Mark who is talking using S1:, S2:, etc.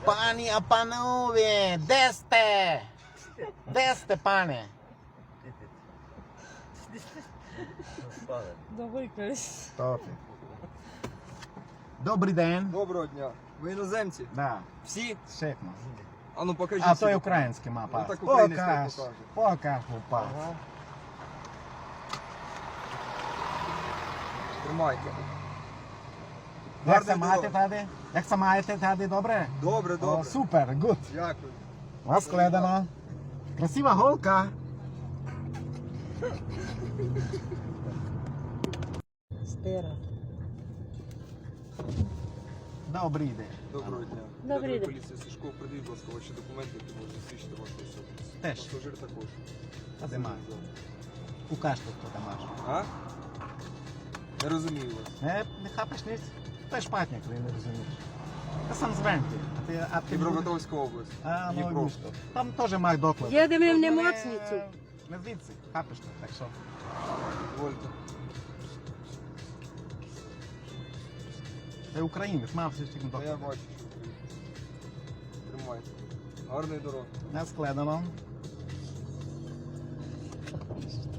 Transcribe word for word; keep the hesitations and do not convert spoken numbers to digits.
S1: Пані, а панове, де сте? Де сте, пане?
S2: Давай якась.
S1: Добрий день.
S3: Доброго дня. Ви іноземці?
S1: Да,
S3: Всі?
S1: шикно.
S3: А ну покажіть.
S1: А
S3: всі
S1: то є
S3: документи.
S1: український мапа.
S3: Ну, так українець
S1: Покаж,
S3: покаже.
S1: покаж, хлопак.
S3: Ага. Тримайте.
S1: Як це
S3: Гарної
S1: маєте
S3: дороги.
S1: тади? Як це маєте тади, добре?
S3: Добре,
S1: О,
S3: добре.
S1: супер, гуд.
S3: Дякую.
S1: Розкладено. Красива голка.
S2: Стира.
S1: Добрий день.
S3: Доброго дня.
S2: Добрий
S3: Рядовий
S2: день.
S3: поліція Сушко, придивіть, будь ласка, ваші документи, які можуть засвідчити вашу особистість.
S1: Теж.
S3: Пасажир також.
S1: Та де має? Покажте, хто там аж.
S3: А? Не розумію вас.
S1: Не, не хапиш ніч? Ти ж патник, ви не розумієш. Я сам з Венти. А ти, а ти
S3: Дніпропетровська область.
S1: А, ну,
S3: Дніпро.
S1: місто. Там теж має доклад.
S2: Їдемо в
S1: Не-
S2: Немоцницю.
S1: Не звідси, хапиш ти, так що.
S3: Дозвольте.
S1: Ти українець, мав все ж таки
S3: Та я
S1: доклад.
S3: бачу, що ви. Тримайте. Гарної дороги.
S1: Не складено.